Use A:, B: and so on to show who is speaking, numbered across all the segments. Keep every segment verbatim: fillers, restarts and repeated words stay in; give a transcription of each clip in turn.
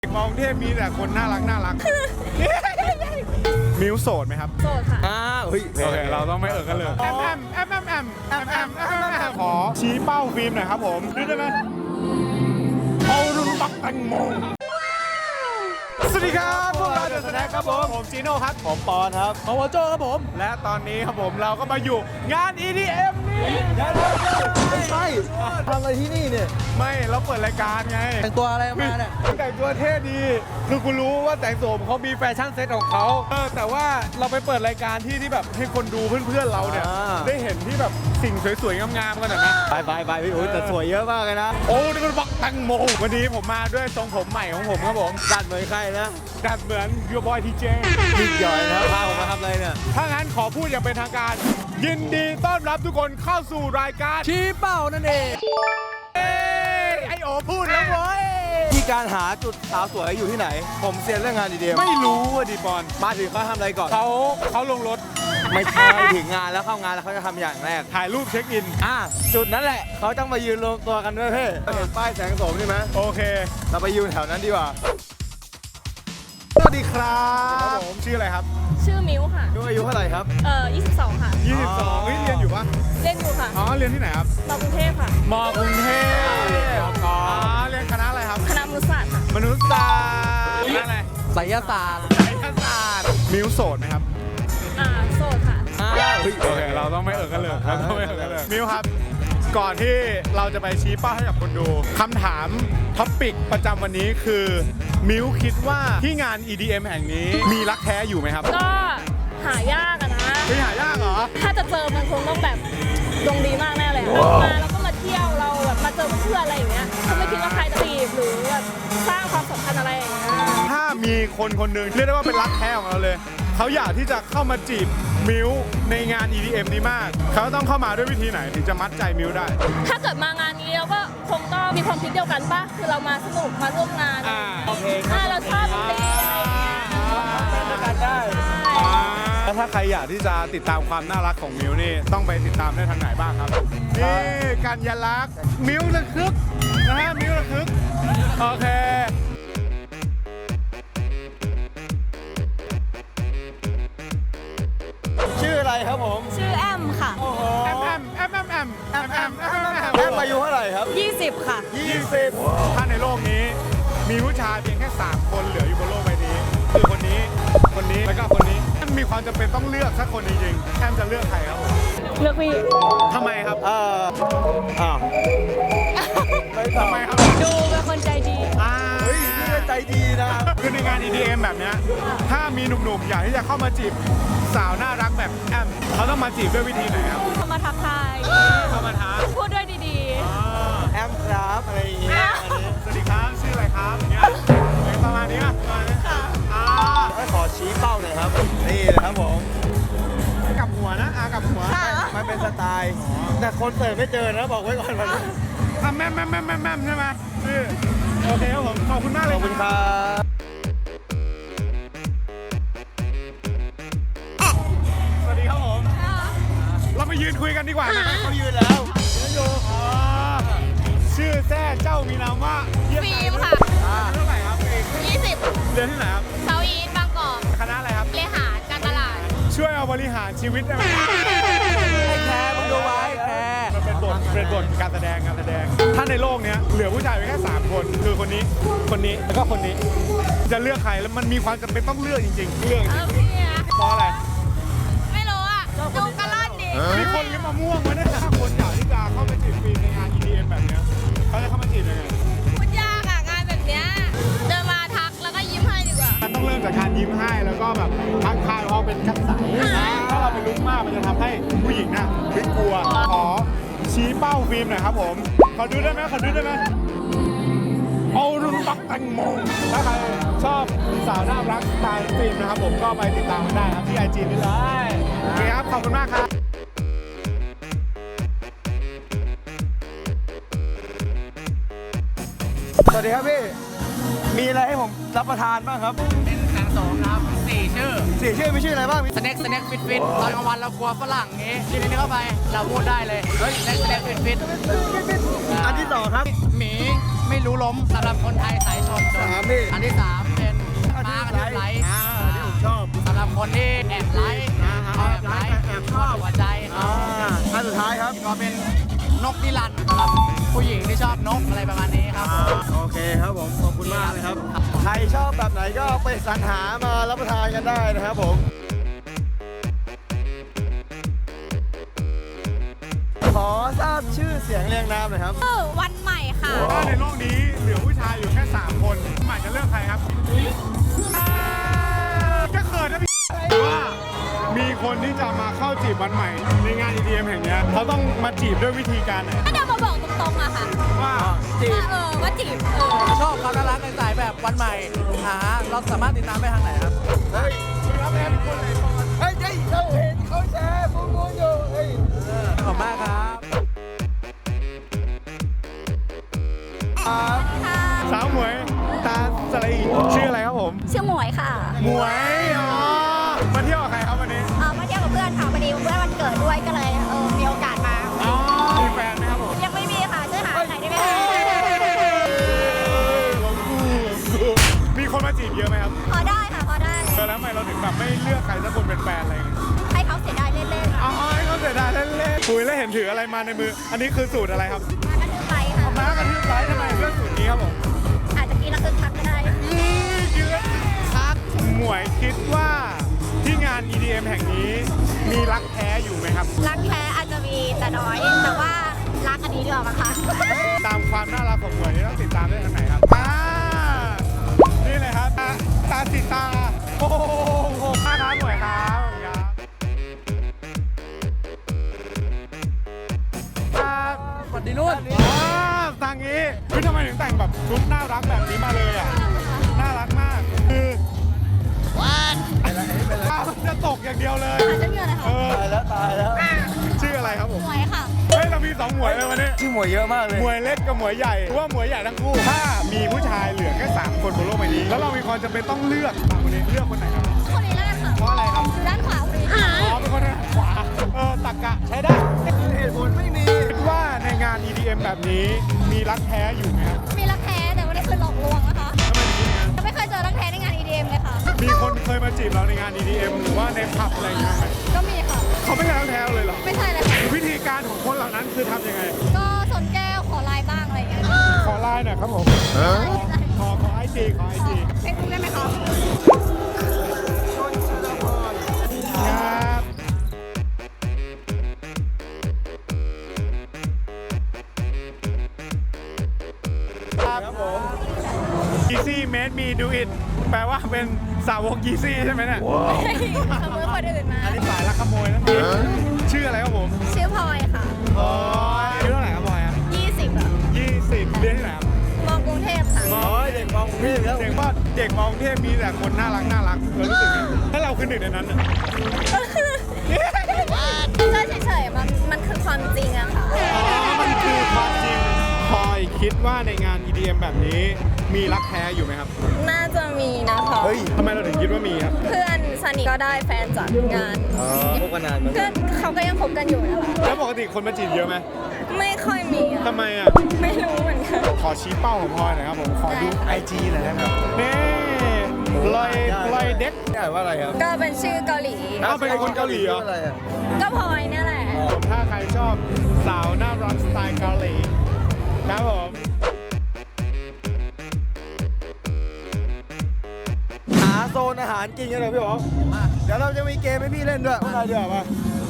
A: มองเทพมีแต่คนน่ารักน่ารัก มิวโสดไหมครับ
B: โสดค่ะ
C: อ่าเฮ้ย
A: โอเคเราต้องไม่เอ่ยกันเลยแอมแอมแอมแอมแอมแอมแอมแอมแอมขอชี้เป้าฟิล์มหน่อยครับผมดูได้ไหมเอาดูบักแตงโมสวัสดีครับพวกเราเดอะสแน็คครับผมผมจีโน่ครับผมปอนครับ
C: โอวโจครับผม
A: และตอนนี้ครับผมเราก็มาอยู่งาน อี ดี เอ็ม นี่
C: ไม่ใช่ทำอะไรที่นี่เนี่ย
A: ไม่เราเปิดรายการไง
C: แต่งตัวอะไรมาเนี่ย
A: แต่งตัวเท่ดีคือกูรู้ว่าแต่งตัวเขามีแฟชั่นเซ็ตของเขาเออแต่ว่าเราไปเปิดรายการที่ที่แบบให้คนดูเพื่อนๆเราเนี่ยได้เห็นที่แบบสิ่งสวยๆงามๆกันหน่อยนะ
C: ไปไปไปพี่อุ้ยแต่สวยเยอะมากเลยนะ
A: โอ้นี่มันบักแตงโมวันนี้ผมมาด้วยทรงผมใหม่ของผมครับผม
C: ดัดเหมือนใครนะ
A: ดัดเหมือนยูบอยทีเจ
C: ยิ่งใหญ่นะพาผมมาทำอะไรเนี่ย
A: ถ้างั้นขอพูดอย่างเป็นทางการ ยินดีต้อนรับทุกคนเข้าสู่รายการ
C: ชี้เป้านั่นเอง
A: เอ้ยไอโอพูดแล้วเว้ย
C: ที่การหาจุดสาวสวยอยู่ที่ไหน ผมเซียนเรื่องงานดีเดีย
A: ไม่รู้อะดิบอล
C: มาถึงเขาทำอะไรก่อน
A: เขาเขาลงรถ
C: ไม่ใช่ถึงงานแล้วเข้างานแล้วเขาจะทำอย่างแรก
A: ถ่ายรูปเช็คอิน
C: อ่ะจุดนั้นแหละเขาต้องมายืนรวมตัวกันด้วยเพ่เห็นป้ายแสงโสมใช่ไหม
A: โอเค
C: เราไปยืนแถวนั้นดีกว่า
A: สวัสดีครับผมชื่ออะไรครับ
B: ชื่อมิวค่ะ
C: ดูอายุเท่าไหร่ครับ
B: เอ่อยี่สิบสองค่ะ
A: ยี่สิบสองเฮ้ยเรียนอยู่ปะ
B: เล่นอยู่ค่ะ
A: อ๋อเรียนที่ไหนครับ
B: มอกรุงเทพค่ะ
A: มอกรุงเทพอ๋อเรียนคณะอะไรครับ
B: คณะมนุษยศาสตร์ค่ะ
A: มนุษยศาสตร์คณะอะไร
C: ไสยศาสตร์
A: ไสยศาสตร์มิวโสดไหมครับ
B: อ่า โสดค่ะ
C: อ้าวเฮ้ย
A: โอเคเราต้องไม่เอ่ยกันเลยเราต้องไม่เอ่ยกันเลยมิวครับ ก่อนที่เราจะไปชี้เป้าให้กับคนดูคำถามท็อปปิกประจำวันนี้คือมิวคิดว่าที่งาน อี ดี เอ็ม แห่งนี้มีรักแท้อยู่ไหมครับ
B: ก็หายากอะนะ
A: ไม่หายากเหรอ
B: ถ้าจะเจอมันคงต้องแบบดวงดีมากแน่เลยอะมาแล้วก็มาเที่ยวเราแบบมาเจอเพื่อนอะไรอย่างเงี้ยก็ไม่คิดว่าใครจะจีบหรือแบบสร้างความสัมพันธ์อะไรอย่างเงี้ย
A: ถ้ามีคนคนหนึ่งเรียกได้ว่าเป็นรักแท้ของเราเลยเขาอยากที่จะเข้ามาจีบมิวในงาน อี ดี เอ็ม นี้มากเขาต้องเข้ามาด้วยวิธีไหนถึงจะมัดใจมิวได้
B: ถ้าเกิดมางานนี้เราก็คงต้องมีความคิดเดียวกันป่ะ คือเรามาสนุกมาร่วมงาน
A: อ่า
C: โอเค
B: อ่าเราชอบดนตรีอะไรอย่างเงี้ย
C: กันได้
A: แล้วถ้าใครอยากที่จะติดตามความน่ารักของมิวนี่ต้องไปติดตามได้ทางไหนบ้างครับนี่กัญญาลักษณ์มิวระคึกนะฮะมิวระคึกโอเค
C: ชื่ออะไรครับผม
B: ชื่อแอมค่ะ
C: โอ้โห
A: แอมแอมแอมแอมแอมแอมแอมแอมแอม
C: แอมอายุเท่าไหร่ครับ
B: ยี่สิบค่ะ
C: ยี่สิบ
A: ถ้าในโลกนี้มีผู้ชายเพียงแค่สามคนเหลืออยู่บนโลกใบนี้คือคนนี้คนนี้แล้วก็คนนี้มีความจำเป็นต้องเลือกสักคนจริงๆแอมจะเลือกใครครับผม
B: เลือกพี่
A: ทำไมครับ
C: เอ่ออ้าว
A: ทำไมครับ
B: ดูเป็นคนใจดี
A: อ่า
C: เฮ้ยนี่ก็ใจดีนะ
A: คือในงาน อี ดี เอ็ม แบบเนี้ยถ้ามีหนุ่มๆอยากที่จะเข้ามาจีบสาวน่ารักแบบแอมเขาต้องมาจีบด้วยวิธีไหนครับ
B: เข้ามาทักทาย
A: เข้ามาท้า
B: พูดด้วยดี
A: อ่า
C: แอมครับอะไรอย่างเงี้ยอันนี้
A: สวัสดีครับชื่ออะไรครับอย่างเงี้ยประมาณนี้ป่ะประมาณนี้อ่า
C: ก็ขอชี้เป้าหน่อยครับ นี่นะครับผม
A: กลับหัวนะอากลับหัว
C: มันเป็นสไตล์ แต่คนเสิร์ฟไม่เจอนะบอกไว้ก่อนวันนี้
A: อ่ะแม่มแม่มแม่มแม่มแม่มใช่ไหมชื่อโอเคครับผมขอบคุณมากเลย
C: ขอบคุณครับ
A: สวัสดีครับผมเรามายืนคุยกันดีกว่านะครับ
C: เขายืนแล้ว
A: อ๋อชื่อแท้เจ้ามีนามว่า
D: ฟิล์มค่ะ
A: อ่าเท่าไหร่ครับฟิล์ม
D: ยี่สิบ
A: เรียนที่ไหนครับ
D: เซาท์อีสต์บางกอก
A: คณะอะไรครับ
D: เลหารการตลาด
A: ช่วยเอาบริหารชีวิตได้ไหม
C: แคร์มึงดูไว้แคร์
A: มันเป็นบทเป็นบทการแสดงการแสดง ถ้าในโลกเนี้ยเหลือผู้ชายเพียงแค่สามคน คือคนนี้ คนนี้ แล้วก็คนนี้ จะเลือกใครแล้วมันมีความจำเป็นต้องเลือกจริงๆ เลือกจ
D: เอ
A: ริ
D: อง พี่อะ
A: ๆเพราะอะไร
D: ไม่รู้อ่ะ ดูกระล่อนดิ
A: มีคนเลี้ยงมะม่วงมาเนี่ยถ้าคนอยากที่จะเข้าไปจีบฟรีในงาน อี ดี เอ็ม แบบเนี้ยเขาจะเข้ามาจีบยังไง
D: พูดยากอ่ะ งานแบบเนี้ย เดินมาทักแล้วก็ยิ้มให้ดีกว่า
A: มันต้องเริ่มจากการยิ้มให้แล้วก็แบบทักทายเพราะเป็นกัดใสถ้าเราเป็นลุกมากมันจะทำให้ผู้หญิงน่ะไม่กลัว ขอชี้เป้าฟิล์มหน่อยครับผมขอดูได้ไหมขอดูได้ไหมเอารุ่นบักแตงโมถ้าใครชอบสาวน่ารักสไตล์ฟิล์มนะครับผมก็ไปติดตามกันได้ครับที่ไอจีนี่เลยโอเคครับขอบคุณมากครับ
C: สวัสดีครับพี่ มีอะไรให้ผมรับประทานบ้างครับ
E: เป็นแสงโสมครับสี่ชื่อ
C: สี่ชื่อมีชื่ออะไรบ้าง
E: สแน็คสแน็คฟิตฟิตตอนกลางวันเรากลัวฝรั่งงี้กินอันนี้เข้าไป เราพูดได้เลย เฮ้ยสแน็คสแน็คฟิตฟิต
C: อันที่สองครับ
E: หมีหไม่รู้ล้มสำหรับคนไทยสายชน
C: สามพี่
E: อันที่สามเป็นม้ากระทืบไลท์
C: อ่าที่ผมชอบ
E: สำหรับคนที่แอบไลท์
C: อ่า
E: แอบไลท์
C: แอบชอบ
E: หัวใจ
C: อ่าอันสุดท้ายครับ
E: ก็เป็นนกนิรันดร์สำหรับผู้หญิงที่ชอบนกอะไรประมาณนี้ครับ
C: อ่าโอเคครับผมขอบคุณมากเลยครับใครชอบแบบไหนก็ไปสรรหามารับประทานกันได้นะครับผมขอทราบชื่อเสียงเรียงนามหน่อยครับ
D: ชื่อวันใหม่ค่ะ
A: ถ้าในโลกนี้เหลือผู้ชายอยู่แค่สามคนหมายจะเลือกใครครับอ่าก็เขินนะพี่ว่ามีคนที่จะมาเข้าจีบวันใหม่ในงาน อี ดี เอ็ม แห่งเนี้ยเขาต้องมาจีบด้วยวิธีการไหน
D: ก็จะมาบอกตรงๆอะค่ะ
A: ว่า
C: จีบ
D: ว่าเออว่าจีบเออ
E: ชอบความน่ารักในสายแบบวันใหม่หาเราสามารถติดตามได้ทางไหนครับ
C: เฮ้ยรับแม่ทุกคนเลยก่อนเฮ้ยเฮ้ยเราเห็นเขาแชร์ฟูมูนอยู่เฮ้ย
E: ขอบคุณมากครับ
A: สาวหมวยตาสลีชื่ออะไรครับผม
D: ชื่อหมวยค่ะ
A: หมวยอ๋อมาเที่ยวกับใครครับวันนี้
D: เออมาเที่ยวกับเพื่อนค่ะพอดีเพื่อนวันเกิดด้วยก็เลยเออมีโอกาสมา
A: อ๋อมีแฟนไหมครับผม
D: ยังไม่มีค่ะช่วยหาไหนอยได้ไหมคะ
A: มีคนมาจีบเยอะไหมครับ
D: พอได้ค่ะพอได้
A: เออแล้วทำไมเราถึงแบบไม่เลือกใครสักคนเป็นแฟนอะไรอย่างเงี้ย
D: ให้เขาเสียดายเล่นๆ
A: อ๋
D: ค่ะ
A: อให้เขาเสียดายเล่นๆคุยแล้วเห็นถืออะไรมาในมือ อันนี้คือสูตรอะไรครับ
D: มากันคือไปค่ะ
A: ม้ากระทืบไลท์ทำไมเลือกสูตรนี้ครับผม
D: อาจจะกินแล้วคึกคักก็ได้
A: กินแล้วคักหมวยคิดว่าที่งาน อี ดี เอ็ม แห่งนี้มีรักแท้อยู่ไหมครับ
D: รักแท้อาจจะมีแต่น้อย แต่ว่ารักอันนี้ดีกว่ามั้งคะ
A: ตามความน่ารักของหมวยนี่ต้องติดตามได้ทางไหนครับอ่านี่เลยครับตาตาติดตาโอ้โหมากครับหมวยครับครับ
E: สวัสดีนุ่น
A: อ๋อทางนี้คือทำไมถึงแต่งแบบชุดน่ารักแบบนี้มาเลยอ่ะ น่ารักมาก คือว้าวจะตกอย่างเดียวเลย
D: อาจจะมีอะไร
A: เอ
D: ค่ะ
A: อ
C: ตายแล้วตายแล้ว
A: ชื่ออะไรครับผม
D: หมวยค่ะ
A: เฮ้ย เรามีสองหมวยเลยวันนี้
C: ชื่อหมวยเยอะมากเลย
A: หมวยเล็กกับหมวยใหญ่หรือว่าหมวยใหญ่ทั้งคู่ ถ้ามีผู้ชายเหลือแค่สามคนบนโลกใบนี้ แล้วเรามีความจำเป็นต้องเลือกสามคนนี้เลือกคนไหนครับ
D: คนนี้แล้วกันค่ะ
A: เพราะอะไรครับ
D: อยู่ด้านขวาคนนี้
A: อ๋อ เป็นคนทางขวา เออ ตักกะใช้ได้
C: เหตุผลไม่มี
A: คิดว่าในงาน อี ดี เอ็ม แบบนี้มีรักแท้อยู่ไหมครับ
D: มีรักแท้แต่ไม่ได้เคยหลอกลวงนะคะ
A: ทำไมถึงคิดงั้น
D: ยังไม่เคยเจอรักแท้ในงาน อี ดี เอ็ม เลยค่ะ
A: มีคนเคยมาจีบเราในงาน อี ดี เอ็ม หรือว่าในผับอะไรอย่างเงี้ยไหม
D: ก็มีค่ะ
A: เขาไม่ใช่รักแท้เลยเหรอ
D: ไม่ใช่เลยค่ะ
A: วิธีการของคนเหล่านั้นคือทำยังไง
D: ก็สนแก้วขอไลน์บ้างอะไรอย่างเงี้ย
A: ขอไลน์หน่อยครับผม ขอขอไอจีขอไอจี
D: เฟซบุ๊กได้ไหมคะ
A: ครับครับผม Easy made me do it แปลว่าเป็นสาวก Easy ใช่ไหมเนี่ย
D: ขโมยคนอื่นมา
A: อันนี้สายลักขโมยนะชื่ออะไรครับผม
D: ชื่อพลอยค่ะ
A: พลอยอายุเท่าไหร่ครับพลอยครับ
D: ยี่สิบอะ
A: ยี่สิบเรียนที่ไหนครับ
D: มองกรุงเทพค่ะ
C: โอ้ยเด็กมองกรุงเทพแล้ว
A: เด็กว่าเด็กมองเทพมีแต่คนน่ารักน่ารักเรารู้สึกไงถ้าเราคือหนึ่งในนั้นน่ะ
D: ก็เฉยๆมันมันคือความจริงอะค่ะ
A: อ๋อมันคือความจริงพลอยคิดว่าในงาน อี ดี เอ็ม แบบนี้มีรักแท้อยู่ไหมครับ
B: น่าจะมีนะคะ
C: เฮ้ย
A: ทำไมเราถึงคิดว่ามีครับ
B: เพื่อนสนิทก็ได้แฟนจากงาน
C: อ๋อพบกันนานเหมือน
B: ก็
C: กัน
B: เขาก็ยังคบกันอยู่นะคะ
A: แล้วปกติคนมาจีบเยอะไหม
B: ไม่ค่อยมีอะ
A: ทำไมอ่ะ
B: ไม่รู้เหมือนกัน
A: ขอชี้เป้าของพลอยหน่อยครับผม ขอดู ไอจี หน่อยได้ไหมครับนี่ลอยลอยเด็ก
C: นี่อ่านว่าอะไรครับ
B: ก็เป็นชื่อเกาหลี
A: อ้าวเป็นคนเกาหลีเหรอ
C: อะไรอ่ะ
B: ก็พลอยเนี่ยแหละ
A: ผมถ้าใครชอบสาวน่ารักสไตล์เกาหลีครับผม
C: หาโซนอาหารกินกันเลยพี่อ๋อเดี๋ยวเราจะมีเกมให้พี่เล่นด้วยอะไรเดี๋ยวมา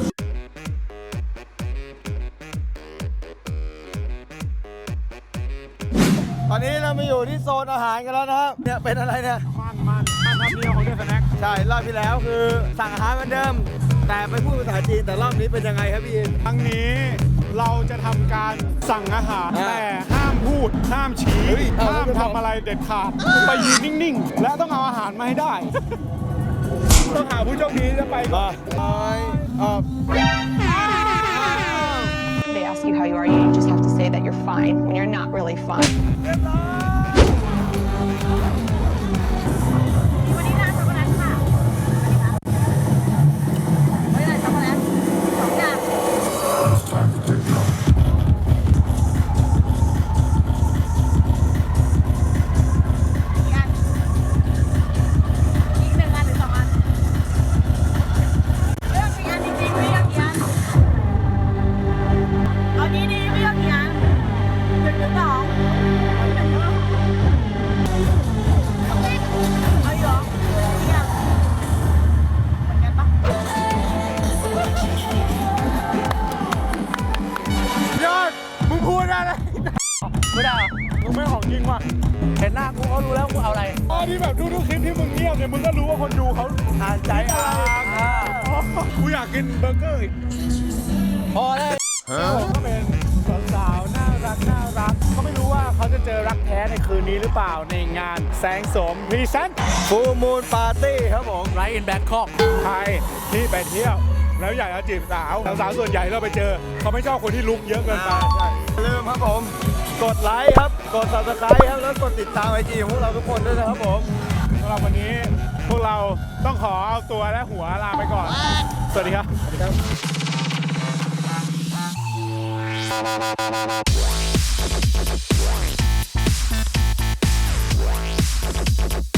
C: ตอนนี้เรามาอยู่ที่โซนอาหารกันแล้วนะครับ เนี่ยเป็นอะไรเนี่ย
A: มันมันมันทำเดียวของเดือนสแน็ค
C: ใช่ รอบที่แล้วคือสั่งอาหารเหมือนเดิม แต่ไปพูดภาษาจีนแต่รอบนี้เป็นยังไงครับพี่อิน
A: ครั้งนี้เราจะทำการสั่งอาหาร
C: อ่า
A: แต่ห้ามพูด ห้ามชี้
C: เฮ้ยเอา
A: ห้าม
C: แล้วจะ
A: ทำอะไรเด็ดขาด ไปยืนนิ่งๆ และต้องเอาอาหารมาให้ได้ ต้องหาผู้โชคดีจะไปก่อน
C: ไปออก
F: They ask you how you are, you just have to say that you're fine when you're not really fine.
D: วันนี้ร้านช็อกโกแลตค่ะวันนี้ร้านช็อกโกแลตสองอย่าง
A: เรียบร้อย อีซี่เมดมีดูอิทแปลว่าเป็นสาวก Easy ใช่ไหมเนี่ย
D: ใช่ค่ะ
A: Easy เรียนที่ไหนครับ
D: มองกรุงเทพค่ะ
A: มองกรุงเทพมีแต่คนน่ารักน่ารักเรารู้สึกไงถ้าเราคือหนึ่งในนั้นน่ะ
D: ก็
A: ที่แบบทุกๆคลิปที่มึงเที่ยวเนี่ยมึงก็รู้ว่าคนดูเขา
C: อ่านใจอะไรอ่า
A: กูอยากกินเบอร์เกอร์อีก
C: พอเลย
A: ก็เป็นสาวๆน่ารักน่ารักก็ไม่รู้ว่าเขาจะเจอรักแท้ในคืนนี้หรือเปล่าในงานแสงโสมพรีเซนต์
C: ฟูมูลปาร์ตี้ครับผม
E: ไรอินแบงคอก
A: ใครที่ไปเที่ยว แล้วอยากจะจีบสาวสาวๆส่วนใหญ่เราไปเจอ เขาไม่ชอบคนที่ลุกเยอะเกินไป
C: อย่าลืมครับผม กดไลค์ครับ กด subscribe ครับ แล้วกดติดตามไอจีของพวกเราทุกคนด้วยนะครับผม
A: สำหรับวันนี้พวกเราต้องขอเอาตัวและหัวลาไปก่อน สวัสดีครับ
C: สวัสดีครับ